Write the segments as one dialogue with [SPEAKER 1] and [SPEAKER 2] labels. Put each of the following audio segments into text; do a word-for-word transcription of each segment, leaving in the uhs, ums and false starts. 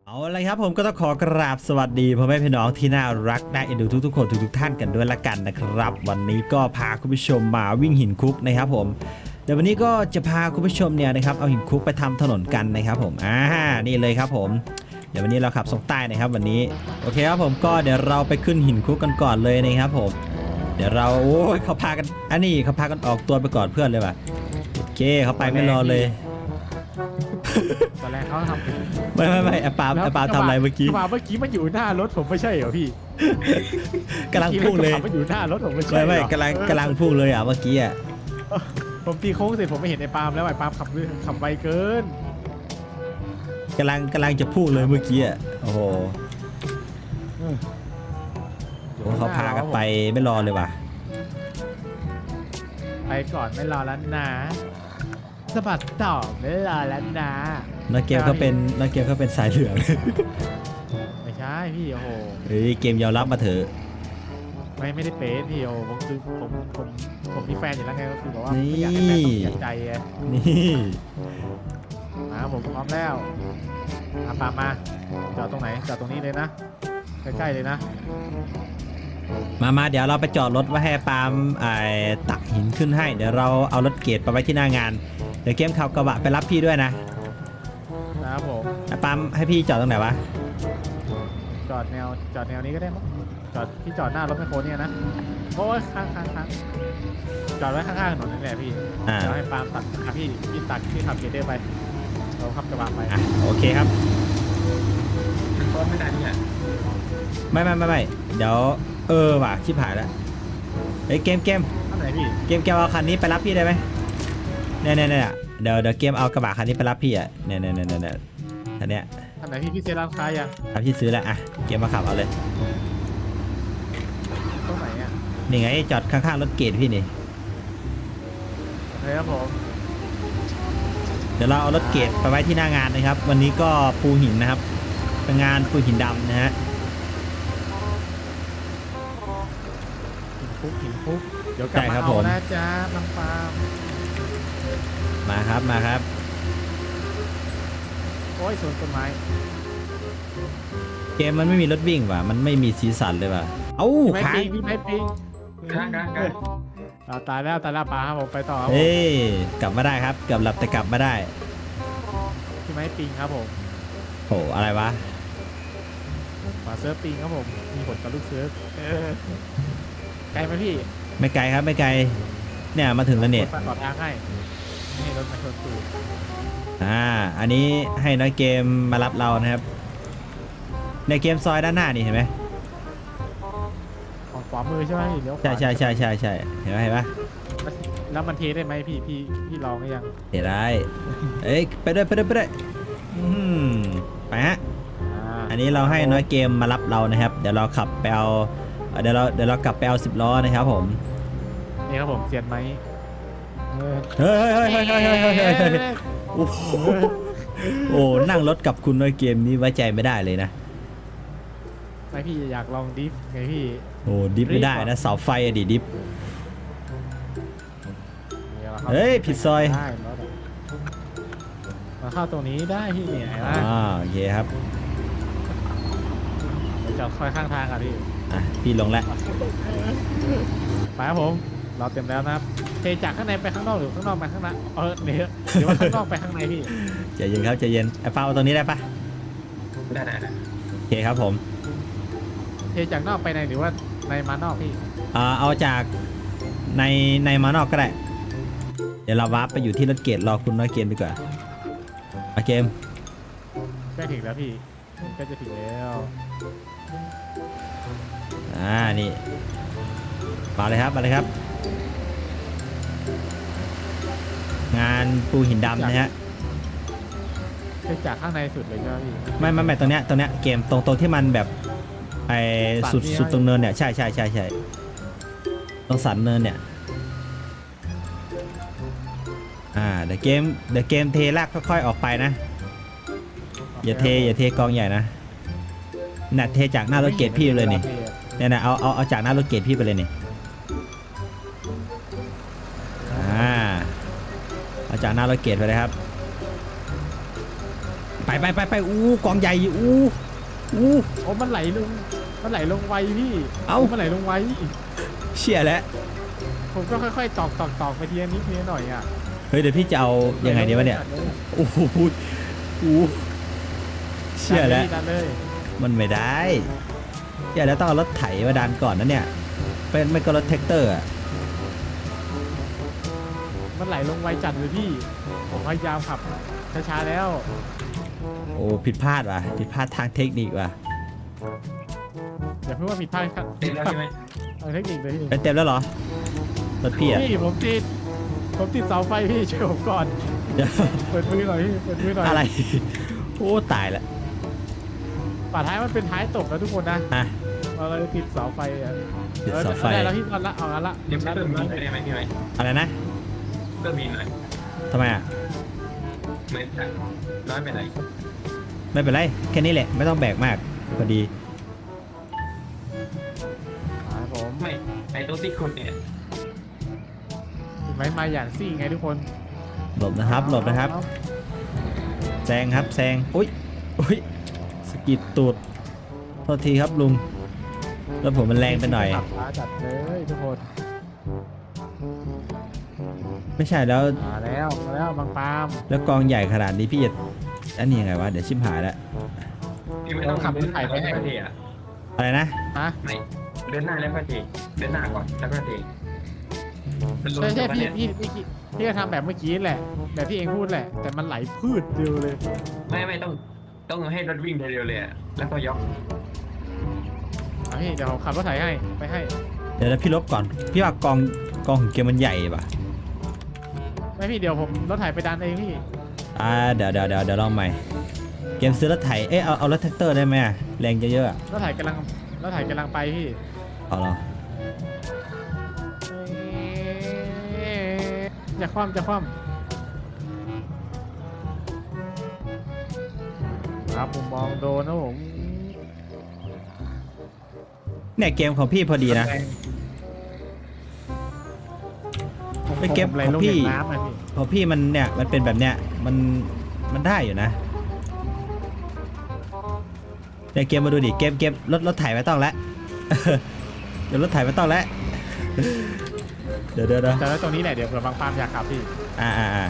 [SPEAKER 1] เอาละครับผมก็ต้องขอกราบสวัสดีพ่อแม่พี่น้องที่น่ารักน่าเอ็นดูทุกๆคนทุกๆท่านกันด้วยละกันนะครับวันนี้ก็พาคุณผู้ชมมาวิ่งหินคุกนะครับผมเดี๋ยววันนี้ก็จะพาคุณผู้ชมเนี่ยนะครับเอาหินคุกไปทำถนนกันนะครับผมอ่านี่เลยครับผมเดี๋ยววันนี้เราขับส่งใต้นะครับวันนี้โอเคครับผมก็เดี๋ยวเราไปขึ้นหินคุกกันก่อนเลยนะครับผมเดี๋ยวเราโอ้ยเขาพากันอันนี้เขาพากันออกตัวไปก่อนเพื่อนเลยว่ะโอเคเขาไปไม่รอเลย
[SPEAKER 2] ตอนแรกเขาทำ
[SPEAKER 1] ไม่ไม่ไม่ไอ้ปาล์มไอ้ปาล์มทำอะไรเมื่อกี้
[SPEAKER 2] เมื่อกี้มันอยู่หน้ารถผมไม่ใช่เหรอพี่
[SPEAKER 1] กำลังพุ่งเลย
[SPEAKER 2] มันอยู่หน้ารถผมไม่ใช่
[SPEAKER 1] ไม่ไม่
[SPEAKER 2] เหรอก
[SPEAKER 1] ำลังกำลังพุ่งเลยอ่ะเมื่อกี้อ่ะ
[SPEAKER 2] ผมตีโค้งเสร็จผมไม่เห็นไอ้ปาล์มแล้วไอ้ปาล์มขับขับไวเกิน
[SPEAKER 1] กำลังกำลังจะพุ่งเลยเมื่อกี้อ่ะโอ้โหโอ้เขาพากันไปไม่รอเลยว่ะ
[SPEAKER 2] ไปก่อนไม่รอแล้วนะสะบัดต่อไม่รอแล้วนะ
[SPEAKER 1] นักเกมเขาเป็นนักเกมเขาเป็นสายเหลือง
[SPEAKER 2] ไม่ใช่พี่โอ้โห
[SPEAKER 1] เฮ้ยเกมยอมรับมาเถอะ
[SPEAKER 2] ไม่ไม่ได้เป็นพี่โอ้ผมคือผมผมผมมีแฟนอยู่แล้วไงก็คือบอกว่าไม่อยากให้แฟนต้องเสียใจไง
[SPEAKER 1] นี่
[SPEAKER 2] มาผมพร้อมแล้วมาปามาจอดตรงไหนจอดตรงนี้เลยนะใกล้ๆเลยนะ
[SPEAKER 1] มามาเดี๋ยวเราไปจอดรถไว้ให้ปาล์มไอ้ตักหินขึ้นให้เดี๋ยวเราเอารถเกรดไปไว้ที่หน้างานเดี๋ยวเกมขับกระบะไปรับพี่ด้วยนะ
[SPEAKER 2] นะครับผม
[SPEAKER 1] ไอ้ปาล์มให้พี่จอดตรงไหนวะ
[SPEAKER 2] จอดแนวจอดแนวนี้ก็ได้มั้งจอดที่จอดหน้ารถแมคโครเนี่ยนะโอ้ยค้างค้างค้างจอดไว้ข้างๆถนนนี่แหละพี่
[SPEAKER 1] อ่า
[SPEAKER 2] เดี๋ยวให้ปาล์มตัดอ่ะพี่พี่ตัดพี่ขับเกรดเดอร์ไปเราขับกระบะไป
[SPEAKER 1] อ่ะโอเคครับ
[SPEAKER 3] มันซ้อนไม่ได้เนี่ย
[SPEAKER 1] ไม่ไม่ไม่ไม่เดี๋ยวเออว่ะชิบหายแล้วเฮ้ยเกมเกม
[SPEAKER 2] ท่านไหนพี่
[SPEAKER 1] เกมเกมเอาคันนี้ไปรับพี่ได้ไหมเนี่ยเนี่ยเนี่ยเดี๋ยวเดี๋ยวเกมเอากระบะคันนี้ไปรับพี่อ่ะเนี่ยเนี่ยเนี่ยเนี่ยอันเนี้ย
[SPEAKER 2] ท่านไหนพี่พี่เซร้านค้ายัง
[SPEAKER 1] เอาพี่ซื้อแล้วอ่ะเกมมาขับเอาเลย
[SPEAKER 2] ตรงไหนอ่ะ
[SPEAKER 1] นี่ไงจอดข้างๆรถเกรดพี่นี่
[SPEAKER 2] โอเคครับผม
[SPEAKER 1] เดี๋ยวเราเอารถเกรดไปไว้ที่หน้างานนะครับ วันนี้ก็ปูหินนะครับเป็นงานปูหินดำนะฮะ
[SPEAKER 2] หินคุกหินคุกเดี๋ยวกลับมาเอานะจ๊ะน้องปาล์ม
[SPEAKER 1] มาครับมาครับ
[SPEAKER 2] โอ้ยสวนต้นไม้
[SPEAKER 1] เกมมันไม่มีรถวิ่งว่ะมันไม่มีสีสันเลยว่ะเอ้า
[SPEAKER 2] พี่ไม้
[SPEAKER 1] ค้าง
[SPEAKER 2] ปิงพี่ไม้ปิง
[SPEAKER 3] กลางกลางกลาง
[SPEAKER 2] เอาตายแล้วตายแล้วปลาครับผมไปต่อครับผม
[SPEAKER 1] เอ้ยกลับมาได้ครับเกือบหลับแต่กลับมาได้
[SPEAKER 2] พี่ไม้ปิงครับผม
[SPEAKER 1] โหอะไรวะ
[SPEAKER 2] มาเซิร์ฟปิงครับผมมีผลกับลูกเซิร์ฟเออไกลไหมพี่
[SPEAKER 1] ไม่ไกลครับไม่ไกลเนี่ยมาถึงแล้วเนี่ย
[SPEAKER 2] ฝากต่อทางให้นี่รถมาชนตูด
[SPEAKER 1] อ่าอันนี้ให้น้อยเกมมารับเรานะครับในเกมซอยด้านหน้านี่เห็นไหม
[SPEAKER 2] ของขวามือใช่ไหมพี่เลี้ยวขวา
[SPEAKER 1] ใช่ใช่ใช่ใช่ใช่เห็นไหมเห็นปะ
[SPEAKER 2] แล้วมันเทได้ไหมพี่พี่พี่ลองหรือยัง
[SPEAKER 1] เห็นได้เอ้ยไปด้วยไปด้วยไปด้วยอืมไปฮะ
[SPEAKER 2] อ่า
[SPEAKER 1] อันนี้เราให้น้อยเกมมารับเรานะครับ เดี๋ยวเราขับไปเอาเดี๋ยวเราเดี๋ยวเรากลับไปเอาสิบล้อนะครับผม
[SPEAKER 2] นี่ครับผมเสียนไหมเออ
[SPEAKER 1] เฮ้ยเฮ้ยเฮ้ยเฮ้ยเฮ้ยเฮ้ยเฮ้ยเฮ้ยโอ้โหโอ้นั่งรถกับคุณน้อยเกมนี้ไว้ใจไม่ได้เลยนะ
[SPEAKER 2] ไม่พี่อยากลองดิฟไงพี่
[SPEAKER 1] โอ้ดิฟไม่ได้นะเสาไฟอะดิดิฟ
[SPEAKER 2] นี่ราข้า
[SPEAKER 1] เฮ้ยผิดซอย
[SPEAKER 2] ได้รถอะมาเข้าตรงนี้ได้พี่เนี่ยเห็นไหม
[SPEAKER 1] อ่าโอเคครับ
[SPEAKER 2] เดี๋ยวจอดคอยข้างทางอ่ะพี่
[SPEAKER 1] อ่ะพี่ลงแล้ว
[SPEAKER 2] ไปครับผมเราเต็มแล้วนะครับเทจากข้างในไปข้างนอกหรือข้างนอกไปข้างในเออเดี๋ยวหรือว่าข้างนอกไปข้างในพี่
[SPEAKER 1] ใจเย็นครับใจเย็นไอ้ฟ้าเอาตรงนี้ได้ปะ
[SPEAKER 3] ได้ได้ได้
[SPEAKER 1] โอเคครับผม
[SPEAKER 2] เทจากนอกไปในหรือว่าในมานอกพี่
[SPEAKER 1] อ่าเอาจากในในมานอกก็ได้ เดี๋ยวเราวาร์ปไปอยู่ที่รถเกตรอคุณน้อยเกมดีกว่ามาเกม
[SPEAKER 2] ใกล้ถึงแล้วพี่ใกล้จะถึงแล้ว
[SPEAKER 1] อ่านี่มาเลยครับมาเลยครับ งานปูหินดำนะฮะ
[SPEAKER 2] เทจากข้างในสุดเลยใช่ไหมพี่
[SPEAKER 1] ไม่ไม่ไม่ตรงเนี้ยตรงเนี้ยเกมตรงตรงที่มันแบบไอ้สุด
[SPEAKER 2] สันนี่
[SPEAKER 1] สุดตรงเนินเนี่ยใช่ใช่ใช่ใช่ตรงสันเนินเนี่ยอ่าเดี๋ยวเกมเดี๋ยวเกมเทลากค่อยๆออกไปนะอย่าเทอย่าเทกองใหญ่นะน่ะเทจากหน้ารถเกตพี่เลยนี่เนี่ยนะเอาเอาเอาจากหน้ารถเกตพี่ไปเลยนี่อ่าเอาจากหน้ารถเกตไปเลยครับ ไปไปไปไปอู้กองใหญ่อู้อู้
[SPEAKER 2] โอ้มันไหลลงมันไหลลงไวพี่
[SPEAKER 1] เอ้า
[SPEAKER 2] มันไหลลงไว
[SPEAKER 1] เชี่ยแล้ว
[SPEAKER 2] ผมก็ค่อยๆตอกตอกตอกไปทีละนิดทีละหน่อยอ่ะ
[SPEAKER 1] เฮ้ยเดี๋ยวพี่จะเอายังไงดีวะเนี่ยโอ้โหอู้เชี่ยแล้ว
[SPEAKER 2] ดันเลย
[SPEAKER 1] มันไม่ได้เชี่ยแล้วต้องเอารถไถมาดันก่อนนะเนี่ยเป็นไม่ก็รถแท็กเตอร์อะ
[SPEAKER 2] มันไหลลงไวจัดเลยพี่ผมพยายามขับช้าๆแล้ว
[SPEAKER 1] โอ้ผิดพลาดว่ะผิดพลาดทางเทคนิคว่ะ
[SPEAKER 2] อย่าเพิ่งว่าผิดพลาดครับ
[SPEAKER 3] ติดแล้วใช่ไหม
[SPEAKER 2] ทางเทคนิคเลยพี่
[SPEAKER 1] เป็นเต็มแล้วเหรอรถพี่อะ
[SPEAKER 2] พี่ผมติดผมติดเสาไฟพี่ช่วยผมก่อน
[SPEAKER 1] เดี๋ยว
[SPEAKER 2] เปิดมือหน่อยพี่เปิดมือหน่อย
[SPEAKER 1] อะไรโอ้ตายละ
[SPEAKER 2] ป่าท้ายมันเป็นท้ายตกนะทุกคนนะ
[SPEAKER 1] อ่ะ
[SPEAKER 2] เราเลยติดเสาไฟอ่ะ
[SPEAKER 1] ติดเสาไฟ
[SPEAKER 2] ออได้แล้วพี่เอาละเอาละ
[SPEAKER 3] เดี๋ยวเพิ่มมีนได้ไหมพี่ไหม
[SPEAKER 1] อะไรนะ
[SPEAKER 3] เพิ่มมีนหน่อย
[SPEAKER 1] ทำไมอ่ะ
[SPEAKER 3] เหมือนจะน้อยไปไหน
[SPEAKER 1] ไม่เป็นไรแค่นี้แหละไม่ต้องแบกมากพอดี
[SPEAKER 2] ครับผม
[SPEAKER 3] ไม่ไอ้ตัวที่คุณเนี่ย
[SPEAKER 2] ไม้มาอย่างซี่ไงทุกคน
[SPEAKER 1] หลบนะครับหลบนะครับแซงครับแซงอุ้ยอุ้ยสะกิดตูดโทษทีครับลุงแล้วผมมันแรงไปหน่อย
[SPEAKER 2] ขับช้าจัดเลยทุกคน
[SPEAKER 1] ไม่ใช่แล้ว
[SPEAKER 2] มาแล้วมาแล้วบางปาม
[SPEAKER 1] แล้วกองใหญ่ขนาดนี้พี่จะอันนี้ยังไงวะเดี๋ยวชิมหายแล้ว
[SPEAKER 3] พี่ไม่ต้องขับรถไถไปให้ก็เทอ่ะ
[SPEAKER 1] อะไรนะ
[SPEAKER 2] ฮะ
[SPEAKER 3] ไม่เดินหน้าแล้วก็เทเดินหน้าก่อนแล้วก็เทมันลง
[SPEAKER 2] ใช่ใช่
[SPEAKER 3] ตรง
[SPEAKER 2] พี่
[SPEAKER 3] นั้นเนี่ย
[SPEAKER 2] พี่พี่พี่ก็ทำแบบเมื่อกี้แหละแบบที่เองพูดแหละ แต่มันไหลพืชเดียวเลย
[SPEAKER 3] ไม่ไม่ต้องต้องให้รถวิ่งเร็วๆเลยอะแล้วก็ยก
[SPEAKER 2] เอาพี่เดี๋ยวผมขับรถไถให้ไปให้
[SPEAKER 1] เดี๋ยวนะพี่ลบก่อนพี่ว่ากองกองของเกมมันใหญ่ป่ะ
[SPEAKER 2] ไม่พี่เดี๋ยวผมรถไถไปดันเองพี่
[SPEAKER 1] อ่าเดี๋ยวเดี๋ยวเดี๋ยวเดี๋ยวลองใหม่เกมซื้อรถไถเอ๊ะเอาเอารถแท็กเตอร์ได้ไหมอะแรงเยอะๆอะ
[SPEAKER 2] รถไถกำลังรถไถกำลังไปพี่
[SPEAKER 1] เอาเหรอ
[SPEAKER 2] จะคว่ำจะคว่ำครับผมมองโดนนะผม
[SPEAKER 1] เนี่ยเกมของพี่พอดีนะ
[SPEAKER 2] ผม
[SPEAKER 1] ไปเก็บ
[SPEAKER 2] ผมไหล
[SPEAKER 1] ของ
[SPEAKER 2] ลง
[SPEAKER 1] พี่
[SPEAKER 2] ในน้ำอะพี่
[SPEAKER 1] พอพี่มันเนี่ยมันเป็นแบบเนี้ยมันมันได้อยู่นะเนี่ยเกมมาดูดิเกมเกมรถรถไถไม่ต้องแล้ว เดี๋ยวรถไถไม่ต้องแล้ว เดี๋ยวเดี๋ยวเดี๋ยว
[SPEAKER 2] แต่แล้วตรงนี้แหละเดี๋ยวเผื่อบางปามอยากขับพี่
[SPEAKER 1] อ่าอ่าอ่า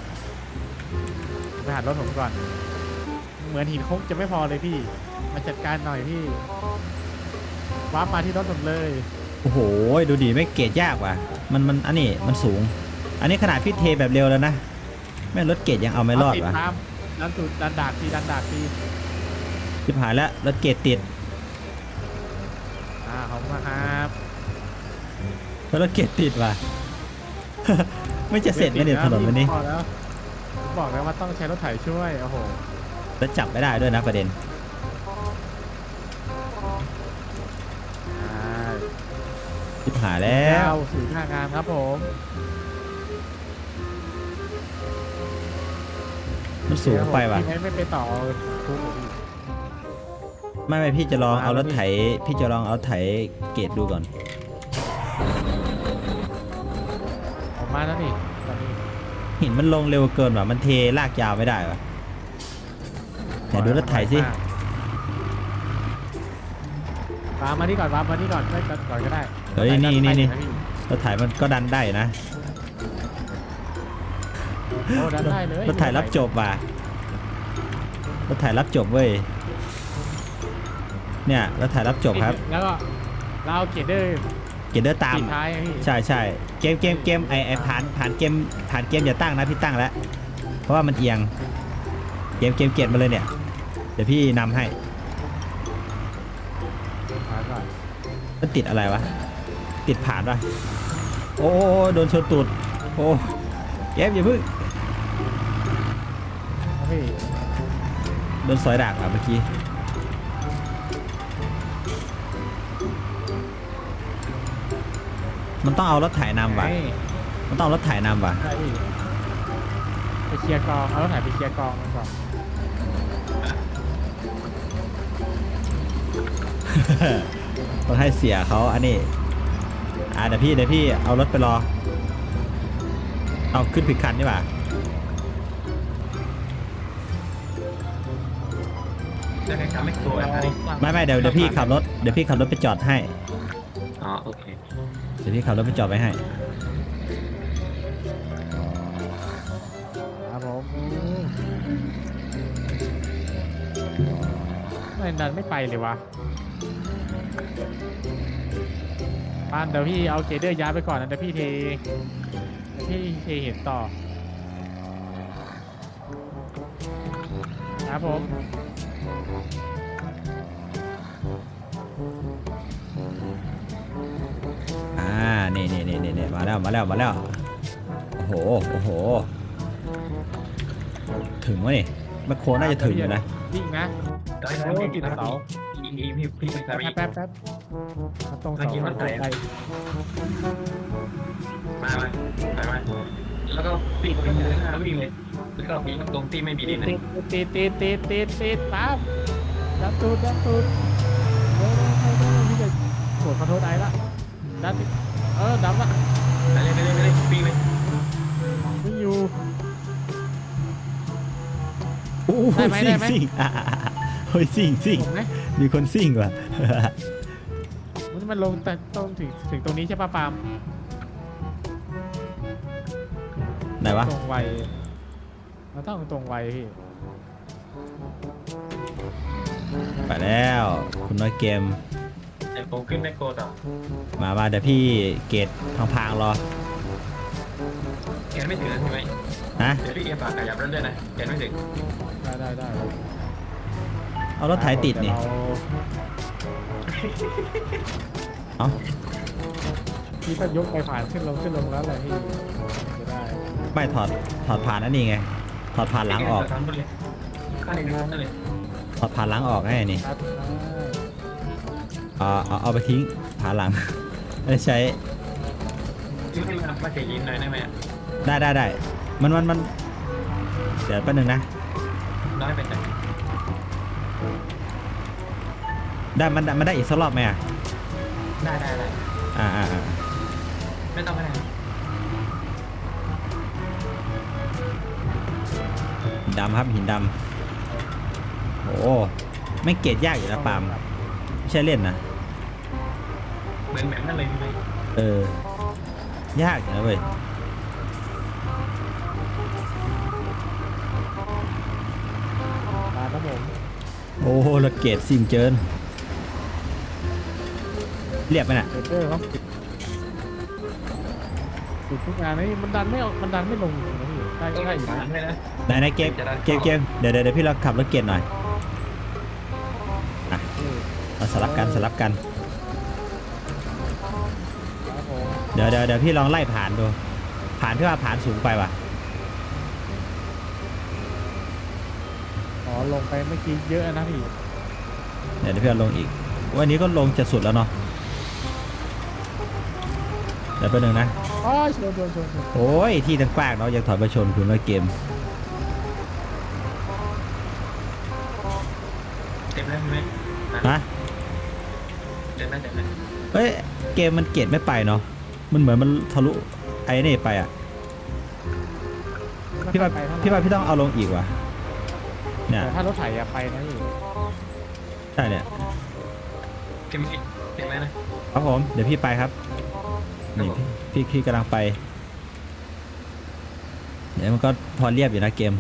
[SPEAKER 2] ไปหัดรถผมก่อน เหมือนหินคงจะไม่พอเลยพี่ มาจัดการหน่อยพี่วาร์ปมาที่รถผมเลย
[SPEAKER 1] โอ้โหดูดิไม่เกรดยากว่ะมันมันอันนี้มันสูง อันนี้ขนาดพี่เทแบบเร็วแล้วนะแม่งรถเกรดยังเอาไม่รอด
[SPEAKER 2] ติด
[SPEAKER 1] ว่ะ
[SPEAKER 2] ตามดันตูดดันดากทีดันดากที
[SPEAKER 1] ชิบหายแล้วรถเกรดติด
[SPEAKER 2] อ่าขอบคุณมากครับ
[SPEAKER 1] แล้วรถเกรดติดว่ะ ไม่จะเสร็จไหมเนี่ยถนนวันนี้
[SPEAKER 2] บอกแล้วผมบอกแล้วว่าต้องใช้รถไถช่วยโอ้โห
[SPEAKER 1] แล้วจับไม่ได้ด้วยนะประเด็น
[SPEAKER 2] อ่า
[SPEAKER 1] ชิบหายแล้ว
[SPEAKER 2] สู่หน้างานครับผม
[SPEAKER 1] มันสูงไปว่ะ
[SPEAKER 2] พี่ไม่ไปต่อทุกข์พี่
[SPEAKER 1] ไม่ไม่พี่จะลองเอารถไถ พี่จะลองเอาไถเกรดดูก่อน
[SPEAKER 2] ออกมาแล้วนี่ตอนนี้
[SPEAKER 1] หินมันลงเร็วเกินว่ะมันเทลากยาวไม่ได้ว่ะไหนดูรถไถสิ
[SPEAKER 2] วางมาที่ก่อนวางมาที่ก่อนได้ก่อนก่อนก็ได้
[SPEAKER 1] เฮ้ยนี่นี่นี่
[SPEAKER 2] ได้พี่
[SPEAKER 1] รถไถมันก็ดันได้นะ
[SPEAKER 2] โอ้ดันได้เลย
[SPEAKER 1] รถไถรับจบว่ะรถไถรับจบเว้ยเนี่ยรถไถรับจบครับ
[SPEAKER 2] แล้วก็เราเอาเกรดเดอร์
[SPEAKER 1] เกรดเดอร์ตาม
[SPEAKER 2] ปิดท้ายอะพี่
[SPEAKER 1] ใช่ใช่เกมเกมเกมไอไอผ่านผ่านเกมผ่านเกมอย่าตั้งนะพี่ตั้งแล้วเพราะว่ามันเอียงเกมเกมเกรดมาเลยเนี่ยเดี๋ยวพี่นำให้
[SPEAKER 2] ผ่านก่อน
[SPEAKER 1] มันติดอะไรวะติดผ่านป่ะโอ้โอ้โอ้โดนชนตูดโอ้เกมอย่าพึ่ง
[SPEAKER 2] เอาพี่
[SPEAKER 1] โดนสอยดากอ่ะเมื่อกี้มันต้องเอารถไถนำว่ะ
[SPEAKER 2] ไง
[SPEAKER 1] มันต้องเอารถไถนำว่ะ
[SPEAKER 2] ใช่พี่ไปเคลียร์กองเอารถไถไปเคลียร์กองมันก่อน
[SPEAKER 1] ต้องให้เสียเขาอันนี้อ่าเดี๋ยวพี่เดี๋ยวพี่เอารถไปรอเอาขึ้นผิดคันดีกว่า
[SPEAKER 3] จะแข่งขันไม่ตัวนะนี่
[SPEAKER 1] ไม่ไม่เดี๋ยวเดี๋ยวพี่ขับรถเดี๋ยวพี่ขับรถไปจอดให้
[SPEAKER 3] อ๋อโอเค
[SPEAKER 1] เดี๋ยวพี่ขับรถไปจอดไว้ให้
[SPEAKER 2] ครับผมไม่ดันไม่ไปเลยวะปานเดี๋ยวพี่เอาเกเดอร์ย้ายไปก่อนนะเดี๋ยวพี่เทเดี๋ยวพี่เทเห็นต่อครับผม
[SPEAKER 1] อ่านี่นี่นี่นี่มาแล้วมาแล้วมาแล้วโอ้โหโอ้โหถึงวะนี่แมคโครน่าจะถึงอยู่นะ
[SPEAKER 2] วิ่งนะ
[SPEAKER 3] ได้ได้
[SPEAKER 2] โอ้
[SPEAKER 3] พี่
[SPEAKER 2] ติดเสา
[SPEAKER 3] พี่พี่พี่พี่เป็นสามี
[SPEAKER 2] แป๊บแป๊บแป๊บมันตรงเสามันตรงไป
[SPEAKER 3] มามาไปมาแล้วก็ปีกไปเลยนะวิ่งเลยแล้วก็ปีกตรงที่ไม่มีดินนะ
[SPEAKER 2] ติดติดติดติดติดติดปั๊บดันตูดดันตูดเฮ้ยเฮ้ยเฮ้ยพี่จะกดขอโทษไอ้ละดันติดเออดันละ
[SPEAKER 3] ไปเลยไปเลยไปเลยปีกเลย
[SPEAKER 2] วิ่งอยู่
[SPEAKER 1] โอ้โห
[SPEAKER 2] ได้ไหม
[SPEAKER 1] ซิ่
[SPEAKER 2] ได้
[SPEAKER 1] ง
[SPEAKER 2] ไหม
[SPEAKER 1] ซิ่งอ่ะอ่ะอ่ะเฮ้ยซิ่งซิ่ง
[SPEAKER 2] ผมไหม
[SPEAKER 1] มีคนซิ่งว่ะ
[SPEAKER 2] มันมันลงแต่ตรงถึงถึงตรงนี้ใช่ป่ะปาล์ม
[SPEAKER 1] ไหนวะ
[SPEAKER 2] ตรงไวเราต้องตรงไวพี่
[SPEAKER 1] ไปแล้วคุณน้อยเกม
[SPEAKER 3] เดี๋ยวผมขึ้นแมคโครต่อ
[SPEAKER 1] มามาเดี๋ยวพี่เกตพังๆรอ
[SPEAKER 3] แกนไม่ถึงใช่ไหม
[SPEAKER 1] นะ
[SPEAKER 3] เดี๋ยวพี่เอฝากขยับรถด้วยนะแกนไม่ถึง
[SPEAKER 2] ได้ได้ได้
[SPEAKER 1] เอารถไถติดนี่
[SPEAKER 2] เยวเรา
[SPEAKER 1] เอ้า
[SPEAKER 2] พี่ก็ยกไปผ่านขึ้นลงขึ้นลงแล้วอะไรพี่จะได้
[SPEAKER 1] ไม่ถอดถอดผ่านนั่นนี่ไงถอดผ่านหลังออก
[SPEAKER 3] ทำเลยข้างในนู้นนั่นเลย
[SPEAKER 1] ถอดผ่านหลังออกไงนี่
[SPEAKER 2] ครับ
[SPEAKER 1] เอาเอาเอาไปทิ้งผ่านหลัง ไม่ได้ใช้
[SPEAKER 3] ที่ให้มามาเสียยิ้มหน่อยได้ไหม
[SPEAKER 1] ได้ได้ได้มันมันมันเดี๋ยวแป๊บนึงนะ
[SPEAKER 3] น้อยไปจัง
[SPEAKER 1] ได้มันมันได้อีกสักรอบไหมอ่ะ
[SPEAKER 3] ได้ได้ได้
[SPEAKER 1] อ่าอ่าอ่า
[SPEAKER 3] ไม่ต้องก็ได้
[SPEAKER 1] หินดำครับหินดำโอ้ไม่เกรดยากอยู่นะปาล์มไม่ใช่เล่นนะ
[SPEAKER 3] เหมือนแบบนั้นเลยไหม
[SPEAKER 1] เออยากอยู่นะเว้ย
[SPEAKER 2] มาครับผม
[SPEAKER 1] โอ้รถเกรดสิ่งเจินเรียบไหมน่ะ
[SPEAKER 2] เดอร์เขาสุดทุกงานนี่มันดันไม่ออกมันดันไม่ลงจริงนะพี่ได้
[SPEAKER 3] ต้อง
[SPEAKER 2] ได้
[SPEAKER 3] ให้
[SPEAKER 2] อยู่
[SPEAKER 3] ผ่า
[SPEAKER 2] นะ
[SPEAKER 3] นเลยนะ
[SPEAKER 1] ไหนไหนเกมเกมเกมเดี๋ยวเดี๋ยวเดี๋ยวพี่เราขับรถเกรดหน่อยอ่ะเราสลับกันสลับกัน
[SPEAKER 2] ครับผม
[SPEAKER 1] เดี๋ยวเดี๋ยวเดี๋ยวพี่ลองไล่ผ่านดูผ่านพี่ว่าผ่านสูงไปว่ะ
[SPEAKER 2] อ๋อลงไปเมื่อกี้เยอะนะพี่
[SPEAKER 1] เดี๋ยวเดี๋ยวพี่เอาลงอีกวันนี้ก็ลงจะสุดแล้วเนาะเดี๋ยวแป๊บนึงนะ
[SPEAKER 2] อ๋อชนชนชนชน
[SPEAKER 1] โอ้ยที่ตั้งกว้างเนาะยังถอยมาชนคุณว่าเกม
[SPEAKER 3] เต็มแล้วใช่ไหม
[SPEAKER 1] ฮะ
[SPEAKER 3] เต็มแล้วเต็มแล้ว
[SPEAKER 1] เฮ้ยเกมมันเกรดไม่ไปเนาะมันเหมือนมันทะลุไอ้นี่ไปอ่ะพี่ว่า
[SPEAKER 2] ไม่ค่อยไปเท่ไหร่
[SPEAKER 1] พี่ว่าพี่ต้องเอาลงอีกว่ะเนี่ย
[SPEAKER 2] แต่ถ้ารถไถอะไปนะพี่
[SPEAKER 1] ใช่เนี่ย
[SPEAKER 3] เต็มเต็มแล้วนะครับ
[SPEAKER 1] ผมเดี๋ยวพี่ไปครับนี่พี่พี่กำลังไปเดี๋ยวมันก็พอเรียบอยู่นะเกม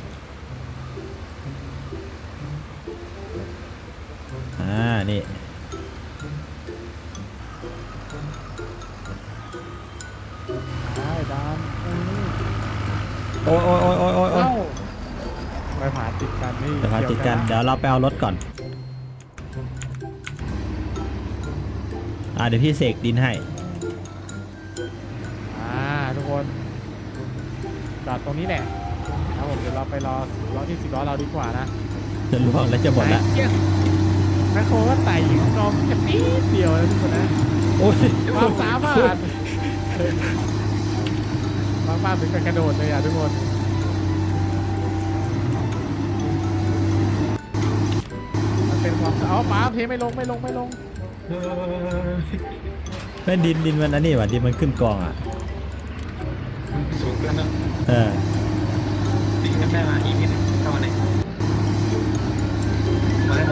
[SPEAKER 1] อ่านี่
[SPEAKER 2] ได้ดานอืม
[SPEAKER 1] โอ้ยโอ้ยโอ้ยโอ้ยโอ้ยโอ้ย
[SPEAKER 2] เอ้าไปผ่านติดกันนี่
[SPEAKER 1] เดี๋ยวพาติดกันเดี๋ยวเราไปเอารถก่อนอ่าเดี๋ยวพี่เสกดินให้
[SPEAKER 2] อ่าทุกคนจอดตรงนี้แหละครับผมเดี๋ยวเราไปรอรอที่สิบล้อเราดีกว่านะ
[SPEAKER 1] จะล่วงแล้วจะหมดละ
[SPEAKER 2] ไอ้เหี้ยแมคโครก็ไต่อยู่กองแค่นิดเดียวนะทุกคนนะ
[SPEAKER 1] โอ้ย
[SPEAKER 2] ความสามารถบางบ้านถึงกับกระโดดเลยอ่ะทุกคนมันเป็นความอ๋อป้าเทไม่ลงไม่ลงไม่ลง
[SPEAKER 3] เออ
[SPEAKER 1] แม่ดินดินมันอันนี้ว่ะดินมันขึ้นกองอ่ะ
[SPEAKER 3] สูงเกินแล้ว
[SPEAKER 1] เออ
[SPEAKER 3] ดิ่งกันได้มาอีกนิดนึงเข้ามาไหนมาแล้ว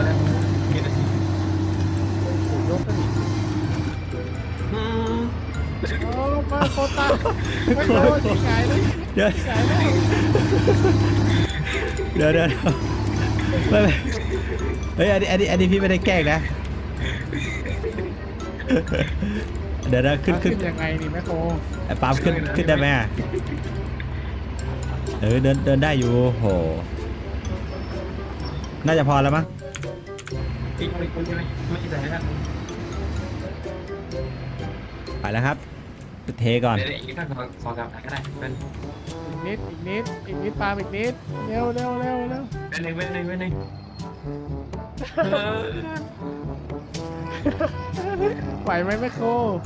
[SPEAKER 2] ตาไม่โดนที่ไหนเลย
[SPEAKER 1] เดี๋ยว
[SPEAKER 2] ที่ไหนเลย
[SPEAKER 1] เดี๋ยวเดี๋ยวไม่ไม่เฮ้ยอันนี้อันนี้อันนี้พี่ไม่ได้แกล้งนะเดี๋ยวนะขึ้นขึ้น
[SPEAKER 2] ยังไงนี่แม่โค
[SPEAKER 1] ไอ้ปาล์มขึ้นขึ้นได้ไหมอะเออเดินเดินได้อยู่โหน่าจะพอแล้วมั้ง
[SPEAKER 3] อีกคนคนใช่ไหมไม่ใช่ไหมครับ
[SPEAKER 1] ไปแล้วครับเทก่อน
[SPEAKER 3] เดี๋ยวอีกสักสองสองสามก็ได้เป็น
[SPEAKER 2] อีกนิดอีกนิดอีกนิดปาล์มอีกนิดเร็วเร็วเร็วเร็ว
[SPEAKER 3] เป็นหนึ่งเป็นหนึ่งเป็นหนึ่งเออ
[SPEAKER 2] ไหวไหมแม่โค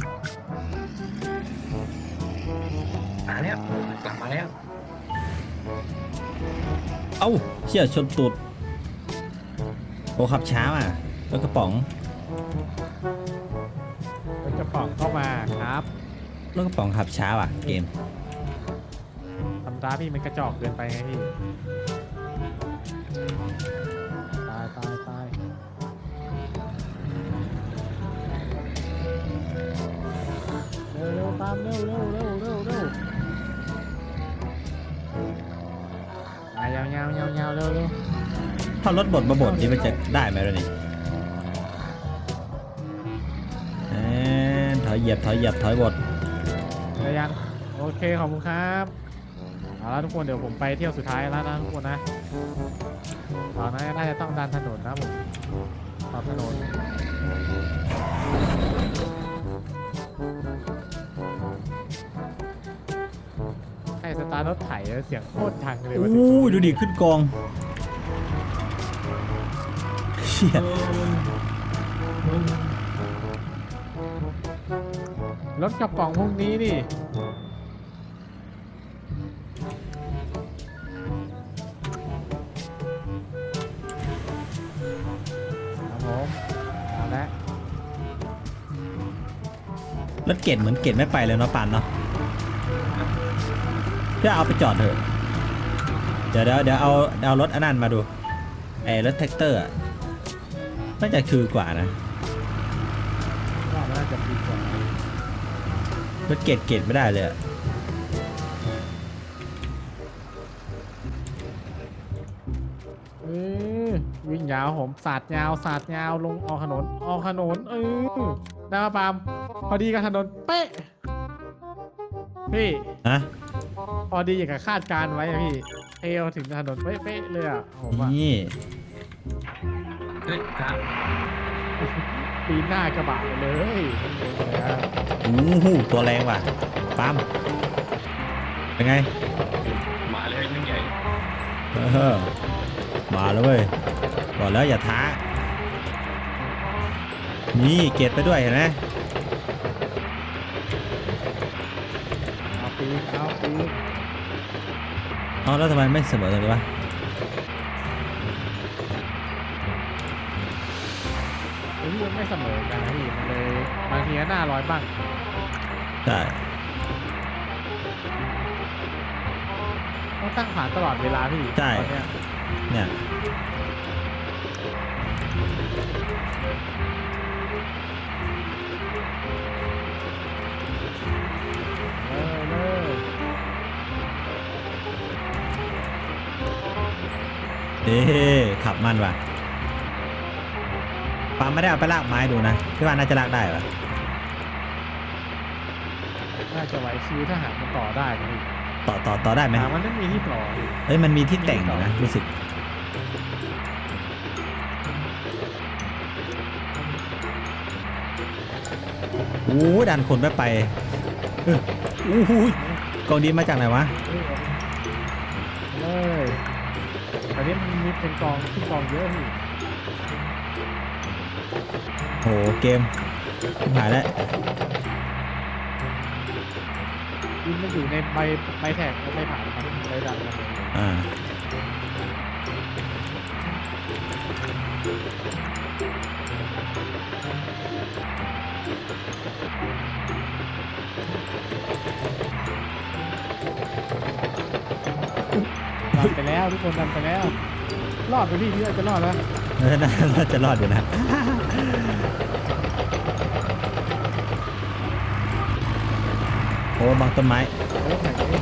[SPEAKER 3] มาแล้วกลับมาแล้ว
[SPEAKER 1] เอ้าเชี่ยชนตูดโอ้ขับช้าอ่ะรถกระป๋อง
[SPEAKER 2] รถกระป๋องเข้ามาครับ
[SPEAKER 1] รถกระป๋องขับช้าว่ะเกม
[SPEAKER 2] ทำร้ายพี่มันกระจอกเกินไปไงพี่ตายตายตายเร็วเร็วตามเร็วเร็วเร็วเร็วเร็วมายาวยาวยาวยาวเร็วเร็ว
[SPEAKER 1] ถ้ารถบดมาบดนี่มันจะได้ไหมล่ะนี่เอ้ยถอยเหยียบถอยเหยียบถอยบด
[SPEAKER 2] เดี๋ยวยังโอเคขอบคุณครับเอาละทุกคนเดี๋ยวผมไปเที่ยวสุดท้ายแล้วนะทุกคนนะตอนนั้นน่าจะต้องดันถนนนะผมขอบถนนใช่สตาร์ทรถไถแล้วเสียงโคตรดังเลยว่า
[SPEAKER 1] อู้ยดูดิขึ้นกองเชี่ย
[SPEAKER 2] รถกระป๋องพวกนี้นี่ครับผมเอาละ
[SPEAKER 1] รถเกตเหมือนเกตไม่ไปเลยเนาะปานเนาะเพื่อเอาไปจอดเถอะเดี๋ยวเดี๋ยวเดี๋ยวเอาเอารถอันนั้นมาดูไอ้รถแท็กเตอร์อะน่าจะคือกว่านะ
[SPEAKER 2] ว่ามันน่าจะดีกว่าร
[SPEAKER 1] ถเกตเกตไม่ได้เลยอะ
[SPEAKER 2] เออวิ่งยาวผมสาดยาวสาดยาวลงออกถนนออกถนนเออได้มาปาล์มพอดีกับถนนเป๊ะพี่
[SPEAKER 1] นะ
[SPEAKER 2] พอดีอย่างกับคาดการณ์ไว้อะพี่เอวถึงถนนเป๊ะๆเลยอะผมอะ
[SPEAKER 1] นี่
[SPEAKER 3] เฮ้ยครับ
[SPEAKER 2] ปีนหน้ากระบะไปเลยนะ
[SPEAKER 1] อู้หูตัวแรงว่ะปั๊มเป็นไง
[SPEAKER 3] มาเลยยิ่งใหญ่
[SPEAKER 1] เออมาแล้วเว้ยบอกแล้วอย่าท้านี่เกตไปด้วยเห็นไหม
[SPEAKER 2] เอาปีนเอาปีน
[SPEAKER 1] อ๋อแล้วทำไมไม่เสมอตรงนี้วะ
[SPEAKER 2] ไอ้ที่มันไม่เสมอกันนะพี่มันเลยบางทีก็หน้าร้อยบ้าง
[SPEAKER 1] ใช่
[SPEAKER 2] ต้องตั้งผ่านตลอดเวลาพี่ตอนเนี้ย
[SPEAKER 1] เนี่ย
[SPEAKER 2] เลยเลย
[SPEAKER 1] เอ๊ะขับมันว่ะปาไม่ได้เอาไปลากไม้ดูนะพี่ว่าน่าจะลากได้ปะ
[SPEAKER 2] น่าจะไหวคิวถ้าหากมันต่อได้นะพี่
[SPEAKER 1] ต่อต่อต่อได้ไหม
[SPEAKER 2] แต่มันไม่มีที่ต่อพี่
[SPEAKER 1] เอ้ยมันมีที่แต่งอยู่นะรู้สึกโอ้ดันคนไม่ไปเอออู้หูยกองดินมาจากไหนวะ
[SPEAKER 2] เลยตอนนี้มันมีเป็นกองขึ้นกองเยอะพี่
[SPEAKER 1] โหเกมหายแล้ว
[SPEAKER 2] ดินมันอยู่ในใบใบแท็กใบผ่านมันใบดันมัน
[SPEAKER 1] อ่า
[SPEAKER 2] ดันไปแล้วทุกคนดันไปแล้ว รอดไปพี่พี่ว่าจะรอดแล้ว
[SPEAKER 1] เออน่าน่าจะรอดอยู่นะโอ้บางต้นไม้
[SPEAKER 2] โอ้ไหนนี่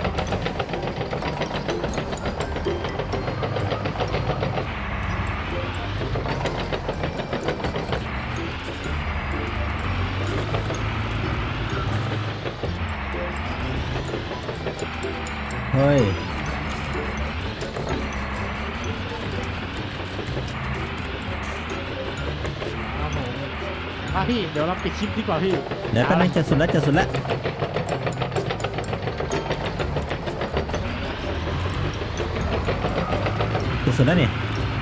[SPEAKER 1] เฮ้ย
[SPEAKER 2] ครับผมมาพี่เดี๋ยวเราปิดคลิปดีกว่าพี่
[SPEAKER 1] เดี๋ยวแป๊บนึงจะสุดแล้วจะสุดแล้วจะสุดแล้วนี่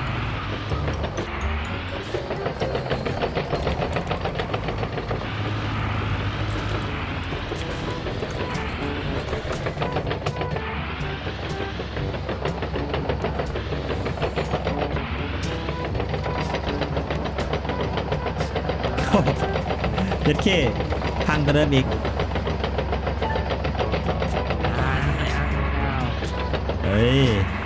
[SPEAKER 1] เจ็ดเคพังกระเดิมอีก
[SPEAKER 2] อ่าอ่า
[SPEAKER 1] เฮ้ย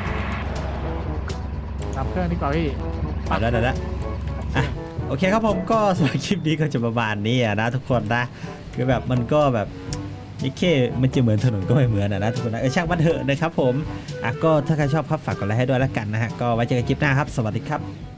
[SPEAKER 2] ดับเครื่องดีกว่าพี่
[SPEAKER 1] เอาแล้วเดี๋ยวแล้วอ่ะโอเคครับผมก็สำหรับคลิปนี้ก็จะประมาณนี้อะนะทุกคนนะคือแบบมันก็แบบนี่แค่มันจะเหมือนถนนก็ไม่เหมือนอะนะทุกคนนะเออช่างมันเถอะนะครับผมอ่ะก็ถ้าใครชอบครับฝากกดไลค์ให้ด้วยแล้วกันนะฮะก็ไว้เจอกันคลิปหน้าครับสวัสดีครับ